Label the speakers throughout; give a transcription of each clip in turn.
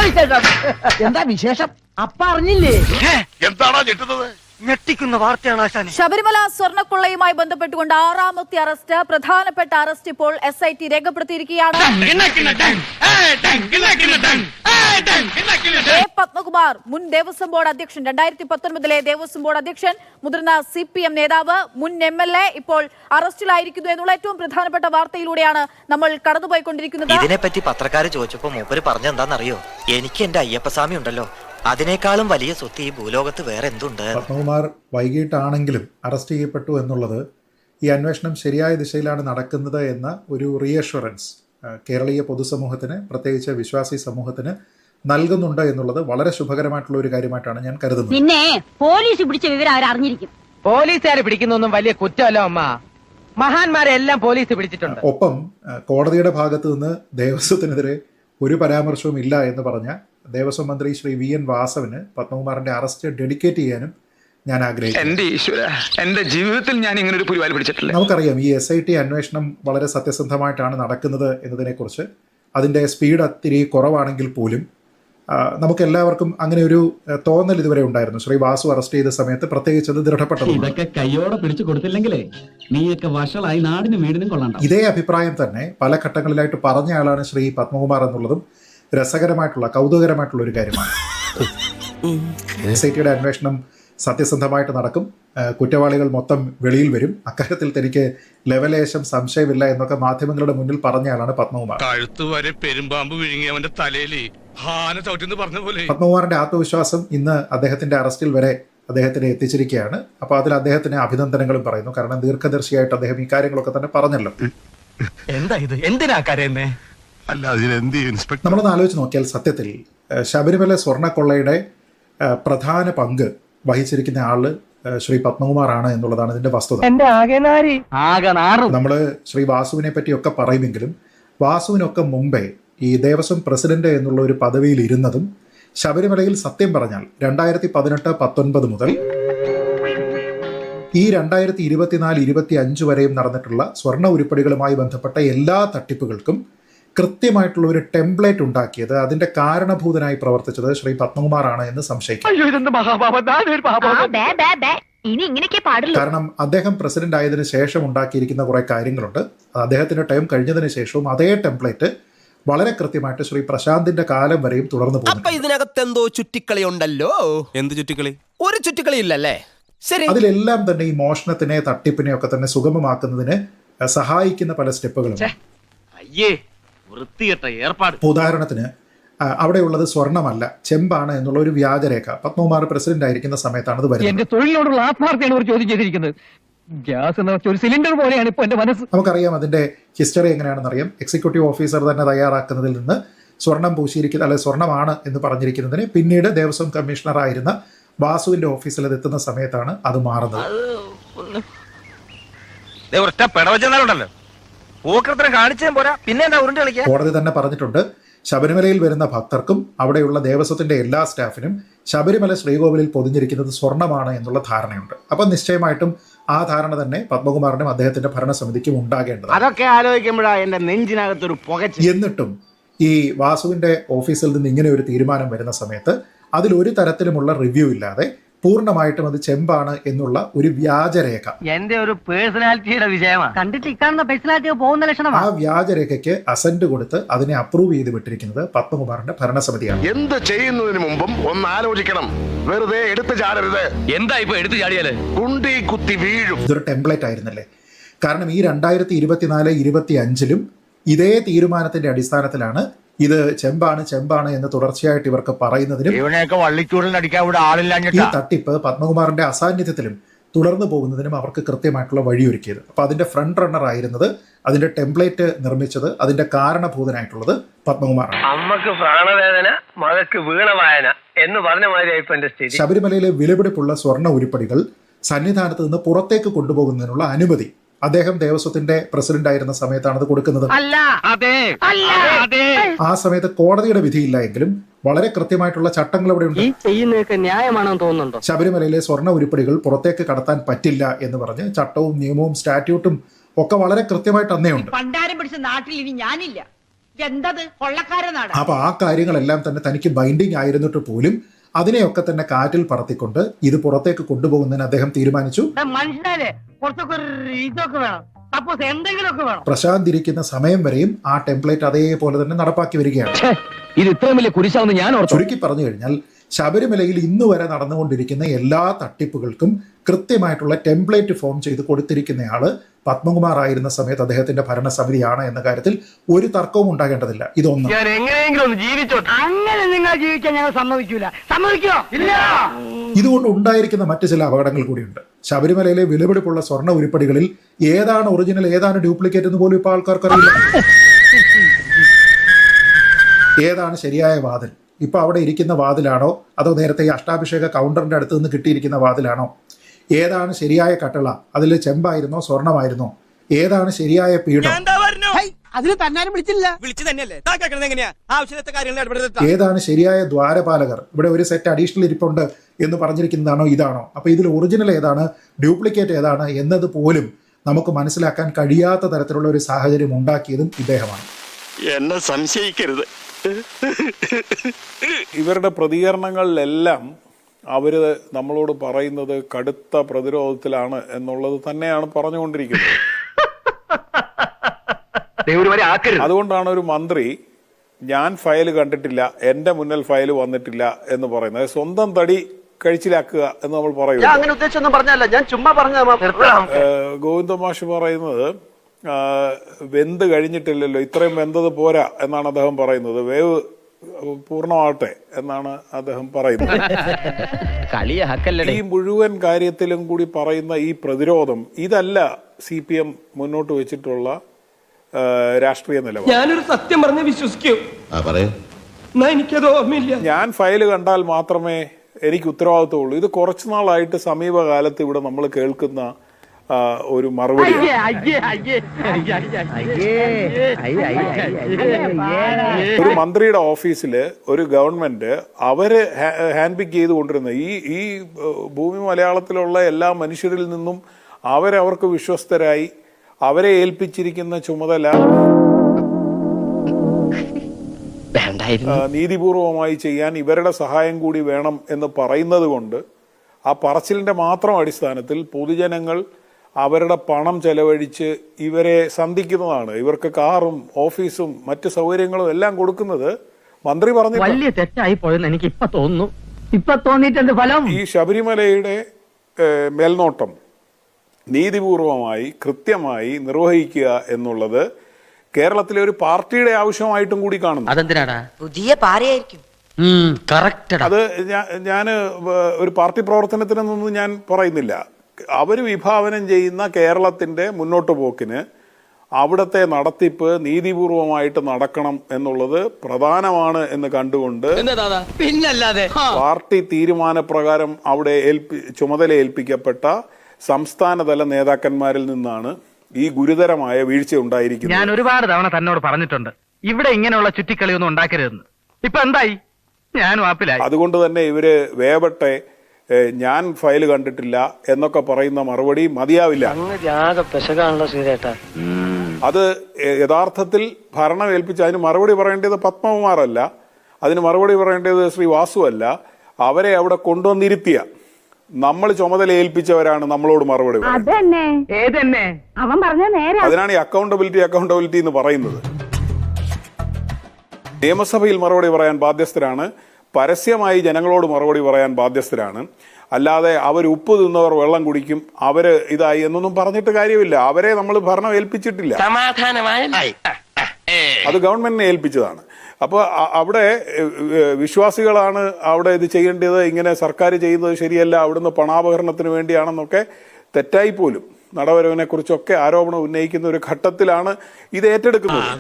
Speaker 1: എന്താ വിശേഷം? അപ്പ അറിഞ്ഞില്ലേ?
Speaker 2: എന്താണോ ഞെട്ടുന്നത്?
Speaker 3: ഞെട്ടിക്കുന്ന വാർത്തയാണ് ആശാനെ.
Speaker 4: ശബരിമല സ്വർണ്ണക്കൊള്ളയുമായി ബന്ധപ്പെട്ടുകൊണ്ട് 6ാമത്തെ അറസ്റ്റ്, പ്രധാനപ്പെട്ട അറസ്റ്റ് ഇപ്പോൾ SIT രേഖപ്പെടുത്തിയിരിക്കുകയാണ്. A. പത്മകുമാർ, മുൻ ദേവസ്വം ബോർഡ് അധ്യക്ഷൻ, 2019 ദേവസ്വം ബോർഡ് അധ്യക്ഷൻ, മുതിർന്ന CPM നേതാവ്, മുൻ MLA ഇപ്പോൾ അറസ്റ്റിലായിരിക്കുന്നു എന്നുള്ള ഏറ്റവും പ്രധാനപ്പെട്ട വാർത്തയിലൂടെയാണ് നമ്മൾ കടന്നുപോയിക്കൊണ്ടിരിക്കുന്നത്.
Speaker 5: ഇതിനെപ്പറ്റി പത്രക്കാര് ചോദിച്ചപ്പോ മൂപ്പര് പറഞ്ഞെന്താണെന്നറിയോ? എനിക്ക് എന്റെ അയ്യപ്പസ്വാമി ഉണ്ടല്ലോ, അതിനേക്കാളും വലിയ സ്വത്ത് ഈ ഭൂലോകത്ത് വേറെ എന്തുണ്ട്?
Speaker 6: പത്മകുമാർ വൈകിട്ടാണെങ്കിലും അറസ്റ്റ് ചെയ്യപ്പെട്ടു എന്നുള്ളത് ഈ അന്വേഷണം ശരിയായ ദിശയിലാണ് നടക്കുന്നത് എന്ന ഒരു റീഅഷ്വറൻസ് കേരളീയ പൊതുസമൂഹത്തിന്, പ്രത്യേകിച്ച് വിശ്വാസി സമൂഹത്തിന് നൽകുന്നുണ്ട് എന്നുള്ളത് വളരെ ശുഭകരമായിട്ടുള്ള ഒരു കാര്യമായിട്ടാണ് ഞാൻ കരുതുന്നത്.
Speaker 7: പിന്നെ പോലീസ് പിടിച്ച വിവരം അവരറിഞ്ഞിരിക്കും.
Speaker 1: പോലീസുകാരെ പിടിക്കുന്നൊന്നും വലിയ കുറ്റമല്ല അമ്മ. മഹാന്മാരെ എല്ലാം പോലീസ് പിടിച്ചിട്ടുണ്ട്.
Speaker 6: ഒപ്പം കോടതിയുടെ ഭാഗത്തു നിന്ന് ദേവസ്വത്തിനെതിരെ ഒരു പരാമർശവും ഇല്ല എന്ന് പറഞ്ഞ ദേവസ്വം മന്ത്രി ശ്രീ VN വാസവന് പത്മകുമാറിന്റെ അറസ്റ്റ് ഡെഡിക്കേറ്റ് ചെയ്യാനും ഞാൻ ആഗ്രഹിക്കുന്നു.
Speaker 2: എന്റെ ഈശ്വര, എന്റെ ജീവിതത്തിൽ ഞാൻ ഇങ്ങനെ ഒരു പുലിവാൽ പിടിച്ചിട്ടില്ല.
Speaker 6: നമുക്കറിയാം ഈ SIT അന്വേഷണം വളരെ സത്യസന്ധമായിട്ടാണ് നടക്കുന്നത് എന്നതിനെക്കുറിച്ച്. അതിന്റെ സ്പീഡ് ഒത്തിരി കുറവാണെങ്കിൽ പോലും നമുക്കെല്ലാവർക്കും അങ്ങനെ ഒരു തോന്നൽ ഇതുവരെ ഉണ്ടായിരുന്നു. ശ്രീ വാസു അറസ്റ്റ് ചെയ്ത സമയത്ത് പ്രത്യേകിച്ച് അത് ദൃഢപ്പെട്ടത്.
Speaker 8: ഇതൊക്കെ കയ്യോടെ പിടിച്ചു കൊടുത്തില്ലെങ്കിലേ നീയൊക്കെ വഷളായി നാടിനും വീടിനും കൊള്ളണ്ട.
Speaker 6: ഇതേ അഭിപ്രായം തന്നെ പല ഘട്ടങ്ങളിലായിട്ട് പറഞ്ഞ ആളാണ് ശ്രീ പത്മകുമാർ എന്നുള്ളതും രസകരമായിട്ടുള്ള, കൗതുകകരമായിട്ടുള്ള ഒരു കാര്യമാണ്. SITയുടെ അന്വേഷണം സത്യസന്ധമായിട്ട് നടക്കും, കുറ്റവാളികൾ മൊത്തം വെളിയിൽ വരും, അക്കാര്യത്തിൽ തനിക്ക് ലെവലേശം സംശയമില്ല എന്നൊക്കെ മാധ്യമങ്ങളുടെ മുന്നിൽ പറഞ്ഞ ആളാണ് പത്മകുമാർ.
Speaker 2: കഴുത്തുവരെ പെരുമ്പാമ്പ് വിഴുങ്ങി അവന്റെ തലയില് ഹാന ചവിട്ടിന്ന് പറഞ്ഞ പോലെ.
Speaker 6: പത്മകുമാറിന്റെ ആത്മവിശ്വാസം ഇന്ന് അദ്ദേഹത്തിന്റെ അറസ്റ്റിൽ വരെ അദ്ദേഹത്തിനെ എത്തിച്ചിരിക്കുകയാണ്. അപ്പോൾ അതിൽ അദ്ദേഹത്തിന് അഭിനന്ദനങ്ങളും പറയുന്നു. കാരണം ദീർഘദർശിയായിട്ട് അദ്ദേഹം ഈ കാര്യങ്ങളൊക്കെ തന്നെ പറഞ്ഞല്ലോ.
Speaker 3: എന്താ ഇത്? എന്തിനാ കരയുന്നേ?
Speaker 6: നമ്മളൊന്ന് ആലോചിച്ച് നോക്കിയാൽ സത്യത്തിൽ ശബരിമല സ്വർണ്ണക്കൊള്ളയുടെ പ്രധാന പങ്ക് വഹിച്ചിരിക്കുന്ന ആള് ശ്രീ പത്മകുമാറാണ് എന്നുള്ളതാണ് ഇതിന്റെ വസ്തുത. നമ്മള് ശ്രീ വാസുവിനെ പറ്റിയൊക്കെ പറയുമെങ്കിലും വാസുവിനൊക്കെ മുമ്പേ ഈ ദേവസ്വം പ്രസിഡന്റ് എന്നുള്ള ഒരു പദവിയിൽ ഇരുന്നതും ശബരിമലയിൽ സത്യം പറഞ്ഞാൽ 2018-19 മുതൽ ഈ 2024-25 വരെയും നടന്നിട്ടുള്ള സ്വർണ്ണ ഉരുപ്പടികളുമായി ബന്ധപ്പെട്ട എല്ലാ തട്ടിപ്പുകൾക്കും കൃത്യമായിട്ടുള്ള ഒരു ടെംപ്ലേറ്റ് ഉണ്ടാക്കിയത്, അതിന്റെ കാരണഭൂതനായി പ്രവർത്തിച്ചത് ശ്രീ പത്മകുമാറാണ് എന്ന് സംശയിക്കാം. കാരണം അദ്ദേഹം പ്രസിഡന്റ് ആയതിനു ശേഷം ഉണ്ടാക്കിയിരിക്കുന്ന കുറെ കാര്യങ്ങളുണ്ട്. അദ്ദേഹത്തിന്റെ ടൈം കഴിഞ്ഞതിന് ശേഷവും അതേ ടെംപ്ലേറ്റ് വളരെ കൃത്യമായിട്ട് ശ്രീ പ്രശാന്തിന്റെ കാലം വരെയും തുടർന്നു പോകുന്നു.
Speaker 9: ഇതിനകത്ത് എന്തോ ചുറ്റിക്കളി ഉണ്ടല്ലോ. എന്ത് ചുറ്റിക്കളി? ഒരു ചുറ്റിക്കളി ഇല്ലല്ലേ? ശരി.
Speaker 6: അതിലെല്ലാം തന്നെ ഈ മോഷണത്തിനെ, തട്ടിപ്പിനെ ഒക്കെ തന്നെ സുഗമമാക്കുന്നതിന് സഹായിക്കുന്ന പല സ്റ്റെപ്പുകളുണ്ട്. ഉദാഹരണത്തിന് അവിടെയുള്ളത് സ്വർണ്ണമല്ല, ചെമ്പാണ് എന്നുള്ള ഒരു വ്യാജരേഖ പത്മകുമാർ പ്രസിഡന്റ് ആയിരിക്കുന്ന സമയത്താണ് അത് വരുന്നത്.
Speaker 1: എന്റെ തൊഴിലിനോടുള്ള ആത്മാർത്ഥയാണ് ഒരു ചോദ്യം ചെയ്തിരിക്കുന്നത്. ഗ്യാസ് എന്ന ഒരു സിലിണ്ടർ പോലെയാണ് ഇപ്പൊ എന്റെ മനസ്സ്.
Speaker 6: നമുക്കറിയാം അതിന്റെ ഹിസ്റ്ററി എങ്ങനെയാണെന്ന് അറിയാം. എക്സിക്യൂട്ടീവ് ഓഫീസർ തന്നെ തയ്യാറാക്കുന്നതിൽ നിന്ന് സ്വർണം പൂശിയിരിക്കുന്ന, അല്ലെ സ്വർണ്ണമാണ് എന്ന് പറഞ്ഞിരിക്കുന്നതിന് പിന്നീട് ദേവസ്വം കമ്മീഷണർ ആയിരുന്ന വാസുവിന്റെ ഓഫീസിൽ അത് എത്തുന്ന സമയത്താണ് അത് മാറുന്നത്. കോടതി തന്നെ പറഞ്ഞിട്ടുണ്ട്, ശബരിമലയിൽ വരുന്ന ഭക്തർക്കും അവിടെയുള്ള ദേവസ്വത്തിന്റെ എല്ലാ സ്റ്റാഫിനും ശബരിമല ശ്രീകോവിലിൽ പൊതിഞ്ഞിരിക്കുന്നത് സ്വർണ്ണമാണ് എന്നുള്ള ധാരണയുണ്ട്. അപ്പൊ നിശ്ചയമായിട്ടും ആ ധാരണ തന്നെ പത്മകുമാറിനും അദ്ദേഹത്തിന്റെ ഭരണസമിതിക്കും ഉണ്ടാകേണ്ടത്.
Speaker 3: അതൊക്കെ ആലോചിക്കുമ്പോഴാണ് എന്റെ നെഞ്ചിനകത്തൊരു പുകച്ചിൽ.
Speaker 6: എന്നിട്ടും ഈ വാസുവിന്റെ ഓഫീസിൽ നിന്ന് ഇങ്ങനെ ഒരു തീരുമാനം വരുന്ന സമയത്ത് അതിൽ ഒരു തരത്തിലുമുള്ള റിവ്യൂ ഇല്ലാതെ പൂർണ്ണമായിട്ടും അത് ചെമ്പാണ് എന്നുള്ള ഒരു വ്യാജരേഖ,
Speaker 3: എന്റെ ഒരു പേഴ്സണാലിറ്റിയുടെ വിഷയമാണ്. കണ്ടിട്ട് ഇക്കാണുന്ന പേഴ്സണാലിറ്റി പോകുന്ന ലക്ഷണമാണ്.
Speaker 6: ആ വ്യാജരേഖയ്ക്ക് അസന്റ് കൊടുത്ത് അതിനെ അപ്രൂവ് ചെയ്ത് വിട്ടിരിക്കുന്നത് പത്മകുമാറിന്റെ ഭരണസമിതിയാണ്.
Speaker 2: എന്ത് ചെയ്യുന്നതിന് മുമ്പും ഒന്ന് ആലോചിക്കണം. വെറുതെ എടുത്തു ചാടരുത്.
Speaker 3: എന്താ ഇപ്പൊ എടുത്തു ചാടിയാല്
Speaker 2: കുണ്ടി കുത്തി വീഴും.
Speaker 6: ഇതൊരു ടെംപ്ലേറ്റ് ആയിരുന്നല്ലേ? കാരണം ഈ 2024-25 ഇതേ തീരുമാനത്തിന്റെ അടിസ്ഥാനത്തിലാണ് ഇത് ചെമ്പാണ് എന്ന് തുടർച്ചയായിട്ട് ഇവർക്ക് പറയുന്നതിനും ഈ തട്ടിപ്പ് പത്മകുമാറിന്റെ അസാന്നിധ്യത്തിലും തുടർന്നു പോകുന്നതിനും അവർക്ക് കൃത്യമായിട്ടുള്ള വഴിയൊരുക്കിയത്. അപ്പൊ അതിന്റെ ഫ്രണ്ട് റണ്ണർ ആയിരുന്നത്, അതിന്റെ ടെംപ്ലേറ്റ് നിർമ്മിച്ചത്, അതിന്റെ കാരണഭൂതനായിട്ടുള്ളത് പത്മകുമാറാണ്.
Speaker 3: അമ്മക്ക് പ്രാണവേദന, മകക്ക് വീണവായന എന്ന് പറഞ്ഞ മാതിരി
Speaker 6: ശബരിമലയിലെ വിലപിടിപ്പുള്ള സ്വർണ്ണ ഉരുപ്പടികൾ സന്നിധാനത്ത് നിന്ന് പുറത്തേക്ക് കൊണ്ടുപോകുന്നതിനുള്ള അനുമതി അദ്ദേഹം ദേവസ്വത്തിന്റെ പ്രസിഡന്റ് ആയിരുന്ന സമയത്താണ് അത് കൊടുക്കുന്നത്. ആ സമയത്ത് കോടതിയുടെ വിധിയില്ല എങ്കിലും വളരെ കൃത്യമായിട്ടുള്ള ചട്ടങ്ങൾ അവിടെ ഉണ്ട്.
Speaker 3: ന്യായമാണെന്ന് തോന്നുന്നുണ്ടോ?
Speaker 6: ശബരിമലയിലെ സ്വർണ്ണ ഉരുപ്പടികൾ പുറത്തേക്ക് കടത്താൻ പറ്റില്ല എന്ന് പറഞ്ഞ് ചട്ടവും നിയമവും സ്റ്റാറ്റ്യൂട്ടും ഒക്കെ വളരെ കൃത്യമായിട്ട് അന്നേ ഉണ്ട്.
Speaker 7: പണ്ടാരം പിടിച്ച നാട്ടിൽ ഇനി ഞാനില്ല. എന്തത് കൊള്ളക്കാരനാണ്.
Speaker 6: അപ്പോൾ ആ കാര്യങ്ങളെല്ലാം തന്നെ തനിക്ക് ബൈൻഡിങ് ആയിരുന്നിട്ട് പോലും അതിനെയൊക്കെ തന്നെ കാറ്റിൽ പറത്തിക്കൊണ്ട് ഇത് പുറത്തേക്ക് കൊണ്ടുപോകുന്നതിന് അദ്ദേഹം തീരുമാനിച്ചു.
Speaker 7: മനുഷ്യനെ കുറച്ചൊക്കെ ഇതൊക്കെ വേണം, സപ്പോസ് എന്തെങ്കിലുമൊക്കെ വേണം.
Speaker 6: പ്രശാന്ത് ഇരിക്കുന്ന സമയം വരെയും ആ ടെംപ്ലേറ്റ് അതേപോലെ തന്നെ നടപ്പാക്കി വരികയാണ്.
Speaker 1: ഇത് ഇത്രയും വലിയ കുരിശാവുന്ന ഞാൻ ഓർത്തു.
Speaker 6: ചുരുക്കി പറഞ്ഞു കഴിഞ്ഞാൽ ശബരിമലയിൽ ഇന്ന് വരെ നടന്നുകൊണ്ടിരിക്കുന്ന എല്ലാ തട്ടിപ്പുകൾക്കും കൃത്യമായിട്ടുള്ള ടെംപ്ലേറ്റ് ഫോം ചെയ്ത് കൊടുത്തിരിക്കുന്നയാള് പത്മകുമാർ ആയിരുന്ന സമയത്ത് അദ്ദേഹത്തിന്റെ ഭരണസമിതിയാണ് എന്ന കാര്യത്തിൽ ഒരു തർക്കവും ഉണ്ടാകേണ്ടതില്ല. ഇതൊന്നും
Speaker 3: ഞാൻ എങ്ങനെയെങ്കിലും ഒന്ന് ജീവിച്ചോട്ടെ.
Speaker 7: അങ്ങനെ നിങ്ങൾ ജീവിക്കാൻ ഞങ്ങൾ സമ്മതിക്കൂല. സമ്മതിക്കോ? ഇല്ല.
Speaker 6: ഇതുകൊണ്ട് ഉണ്ടായിരിക്കുന്ന മറ്റു ചില അപകടങ്ങൾ കൂടിയുണ്ട്. ശബരിമലയിലെ വിലപിടിപ്പുള്ള സ്വർണ്ണ ഉരുപ്പടികളിൽ ഏതാണ് ഒറിജിനൽ ഏതാണ് ഡ്യൂപ്ലിക്കേറ്റ് എന്ന് പോലും ഇപ്പോൾ ആൾക്കാർക്കറിയില്ല. ഏതാണ് ശരിയായ വാതിൽ? ഇപ്പൊ അവിടെ ഇരിക്കുന്ന വാതിലാണോ അതോ നേരത്തെ ഈ അഷ്ടാഭിഷേക കൗണ്ടറിന്റെ അടുത്ത് നിന്ന് കിട്ടിയിരിക്കുന്ന വാതിലാണോ? ഏതാണ് ശരിയായ കട്ടള? അതിൽ ചെമ്പായിരുന്നോ സ്വർണമായിരുന്നോ? ഏതാണ് ശരിയായ പീഠം?
Speaker 9: അതിന് തന്നാരും വിളിച്ചില്ല. വിളിച്ചു തന്നെയല്ലേ എങ്ങനെയാ ആവശ്യത്തെ കാര്യങ്ങൾ.
Speaker 6: ഏതാണ് ശരിയായ ദ്വാരപാലകർ? ഇവിടെ ഒരു സെറ്റ് അഡീഷണൽ ഇരിപ്പുണ്ട് എന്ന് പറഞ്ഞിരിക്കുന്നതാണോ ഇതാണോ? അപ്പൊ ഇതിൽ ഒറിജിനൽ ഏതാണ് ഡ്യൂപ്ലിക്കേറ്റ് ഏതാണ് എന്നത് പോലും നമുക്ക് മനസ്സിലാക്കാൻ കഴിയാത്ത തരത്തിലുള്ള ഒരു സാഹചര്യം ഉണ്ടാക്കിയതും ഇദ്ദേഹമാണ്.
Speaker 10: എന്നെ സംശയിക്കരുത്.
Speaker 11: ഇവരുടെ പ്രതികരണങ്ങളിലെല്ലാം അവർ നമ്മളോട് പറയുന്നത് കടുത്ത പ്രതിരോധത്തിലാണ് എന്നുള്ളത് തന്നെയാണ് പറഞ്ഞുകൊണ്ടിരിക്കുന്നത്. അതുകൊണ്ടാണ് ഒരു മന്ത്രി ഞാൻ ഫയൽ കണ്ടിട്ടില്ല, എന്റെ മുന്നിൽ ഫയൽ വന്നിട്ടില്ല എന്ന് പറയുന്നത്. സ്വന്തം തടി കഴിച്ചിലാക്കുക എന്ന് നമ്മൾ പറയും.
Speaker 3: അങ്ങനെ ഉദ്ദേശിച്ചൊന്നും പറഞ്ഞല്ല, ഞാൻ ചുമ്മാ പറഞ്ഞ.
Speaker 11: ഗോവിന്ദ മാഷ് പറയുന്നത് വെന്ത് കഴിഞ്ഞിട്ടില്ലല്ലോ, ഇത്രയും വെന്തത് പോരാ എന്നാണ് അദ്ദേഹം പറയുന്നത്. വേവ് പൂർണ്ണമാവട്ടെ എന്നാണ് അദ്ദേഹം പറയുന്നത്. ഈ മുഴുവൻ കാര്യത്തിലും കൂടി പറയുന്ന ഈ പ്രതിരോധം ഇതല്ല CPM മുന്നോട്ട് വെച്ചിട്ടുള്ള രാഷ്ട്രീയ നിലപാട്.
Speaker 9: ഞാനൊരു സത്യം പറഞ്ഞ് വിശ്വസിക്കൂ. എനിക്കത് ഓർമ്മയില്ല.
Speaker 11: ഞാൻ ഫയൽ കണ്ടാൽ മാത്രമേ എനിക്ക് ഉത്തരവാദിത്തമുള്ളൂ. ഇത് കുറച്ചു നാളായിട്ട് സമീപകാലത്ത് ഇവിടെ നമ്മൾ കേൾക്കുന്ന ഒരു മറുപടി. ഒരു മന്ത്രിയുടെ ഓഫീസില് ഒരു ഗവൺമെന്റ് അവര് ഹാൻഡ് പിക്ക് ചെയ്ത് കൊണ്ടിരുന്ന ഈ ഭൂമി മലയാളത്തിലുള്ള എല്ലാ മനുഷ്യരിൽ നിന്നും അവർക്ക് വിശ്വസ്തരായി അവരെ ഏൽപ്പിച്ചിരിക്കുന്ന ചുമതല നീതിപൂർവമായി ചെയ്യാൻ ഇവരുടെ സഹായം കൂടി വേണം എന്ന് പറയുന്നത് കൊണ്ട് ആ പറച്ചിലിന്റെ മാത്രം അടിസ്ഥാനത്തിൽ പൊതുജനങ്ങൾ അവരുടെ പണം ചെലവഴിച്ച് ഇവരെ സന്ധിക്കുന്നതാണ്. ഇവർക്ക് കാറും ഓഫീസും മറ്റു സൗകര്യങ്ങളും എല്ലാം കൊടുക്കുന്നത് മന്ത്രി പറഞ്ഞു.
Speaker 1: വലിയ തെറ്റായി പോയെന്ന് എനിക്ക് ഇപ്പൊ തോന്നുന്നു. ഇപ്പൊ തോന്നിയിട്ടുണ്ട് ഫലം.
Speaker 11: ഈ ശബരിമലയുടെ മേൽനോട്ടം നീതിപൂർവമായി കൃത്യമായി നിർവഹിക്കുക എന്നുള്ളത് കേരളത്തിലെ ഒരു പാർട്ടിയുടെ ആവശ്യമായിട്ടും കൂടി കാണുന്നു.
Speaker 5: അതെന്തിനാടാ? പുതിയ പാരയായിരിക്കും.
Speaker 11: അത് ഞാൻ ഒരു പാർട്ടി പ്രവർത്തനത്തിനൊന്നും ഞാൻ പറയുന്നില്ല. അവർ വിഭാവനം ചെയ്യുന്ന കേരളത്തിന്റെ മുന്നോട്ട് പോക്കിന് അവിടുത്തെ നടത്തിപ്പ് നീതിപൂർവമായിട്ട് നടക്കണം എന്നുള്ളത് പ്രധാനമാണ് എന്ന് കണ്ടുകൊണ്ട്
Speaker 9: പിന്നല്ലാതെ
Speaker 11: പാർട്ടി തീരുമാനപ്രകാരം അവിടെ ചുമതല ഏൽപ്പിക്കപ്പെട്ട സംസ്ഥാനതല നേതാക്കന്മാരിൽ നിന്നാണ് ഈ ഗുരുതരമായ വീഴ്ച ഉണ്ടായിരിക്കുന്നത്.
Speaker 1: ഞാൻ ഒരുപാട് തവണ തന്നോട് പറഞ്ഞിട്ടുണ്ട് ഇവിടെ ഇങ്ങനെയുള്ള ചുറ്റിക്കളിയൊന്നും ഉണ്ടാക്കരുതെന്ന്. ഇപ്പൊ എന്തായി? ഞാൻ വാപ്പിലായി.
Speaker 11: അതുകൊണ്ട് തന്നെ ഇവര് വേവട്ടെ, ഞാൻ ഫയൽ കണ്ടിട്ടില്ല എന്നൊക്കെ പറയുന്ന മറുപടി മതിയാവില്ല. അത് യഥാർത്ഥത്തിൽ ഭരണം ഏൽപ്പിച്ച് അതിന് മറുപടി പറയേണ്ടത് പത്മകുമാറല്ല, അതിന് മറുപടി പറയേണ്ടത് ശ്രീ വാസു അല്ല. അവരെ അവിടെ കൊണ്ടുവന്നിരുത്തിയ നമ്മൾ ചുമതല ഏൽപ്പിച്ചവരാണ് നമ്മളോട് മറുപടി പറയുന്നത്. അതിനാണ് ഈ അക്കൗണ്ടബിലിറ്റി എന്ന് പറയുന്നത്. നിയമസഭയിൽ മറുപടി പറയാൻ ബാധ്യസ്ഥരാണ്, പരസ്യമായി ജനങ്ങളോട് മറുപടി പറയാൻ ബാധ്യസ്ഥരാണ്. അല്ലാതെ അവർ ഉപ്പ് തിന്നവർ വെള്ളം കുടിക്കും, അവര് ഇതായി എന്നൊന്നും പറഞ്ഞിട്ട് കാര്യമില്ല. അവരെ നമ്മൾ ഭരണം ഏൽപ്പിച്ചിട്ടില്ല, അത് ഗവൺമെന്റിനെ ഏൽപ്പിച്ചതാണ്. അപ്പോൾ അവിടെ വിശ്വാസികളാണ് അവിടെ ഇത് ചെയ്യേണ്ടത്, ഇങ്ങനെ സർക്കാർ ചെയ്യുന്നത് ശരിയല്ല, അവിടുന്ന് പണാപഹരണത്തിന് വേണ്ടിയാണെന്നൊക്കെ തെറ്റായി പോലും നടവരവിനെ കുറിച്ചൊക്കെ ആരോപണം ഉന്നയിക്കുന്ന ഒരു ഘട്ടത്തിലാണ് ഇത് ഏറ്റെടുക്കുന്നത്.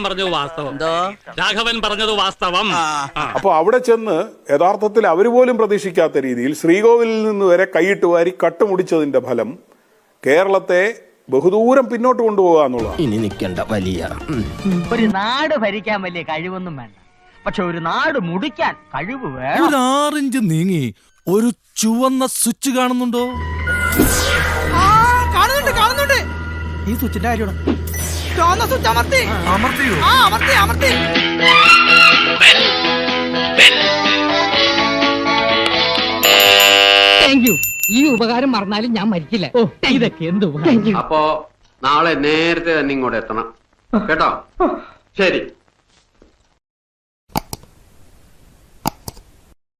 Speaker 11: അപ്പൊ അവിടെ ചെന്ന് യഥാർത്ഥത്തിൽ അവർ പോലും പ്രതീക്ഷിക്കാത്ത രീതിയിൽ ശ്രീകോവിലിൽ നിന്ന് വരെ കൈയിട്ട് വാരി കട്ടുമുടിച്ചതിന്റെ ഫലം കേരളത്തെ ബഹുദൂരം പിന്നോട്ട് കൊണ്ടുപോകുക എന്നുള്ളതാണ്.
Speaker 9: ഇനി നിൽക്കേണ്ട വലിയ
Speaker 7: ഒരു നാട് ഭരിക്കാൻ വലിയ കഴിവൊന്നും വേണ്ട, പക്ഷെ ഒരു നാട് മുടിക്കാൻ കഴിവ് വേണം.
Speaker 10: ഒരു 6 ഇഞ്ച് നീങ്ങി ഒരു ചുവന്ന സ്വിച്ച് കാണുന്നുണ്ടോ?
Speaker 9: കാണുന്നുണ്ട്. ഈ സ്വിച്ചിന്റെ കാര്യമാണ്.
Speaker 7: Thank you. ഈ ഉപകാരം മറന്നാലും ഞാൻ മരിക്കില്ല. ഇതൊക്കെ എന്ത് ഉപകാരം.
Speaker 3: അപ്പോ നാളെ നേരത്തെ തന്നെ ഇങ്ങോട്ട് എത്തണം കേട്ടോ. ശരി.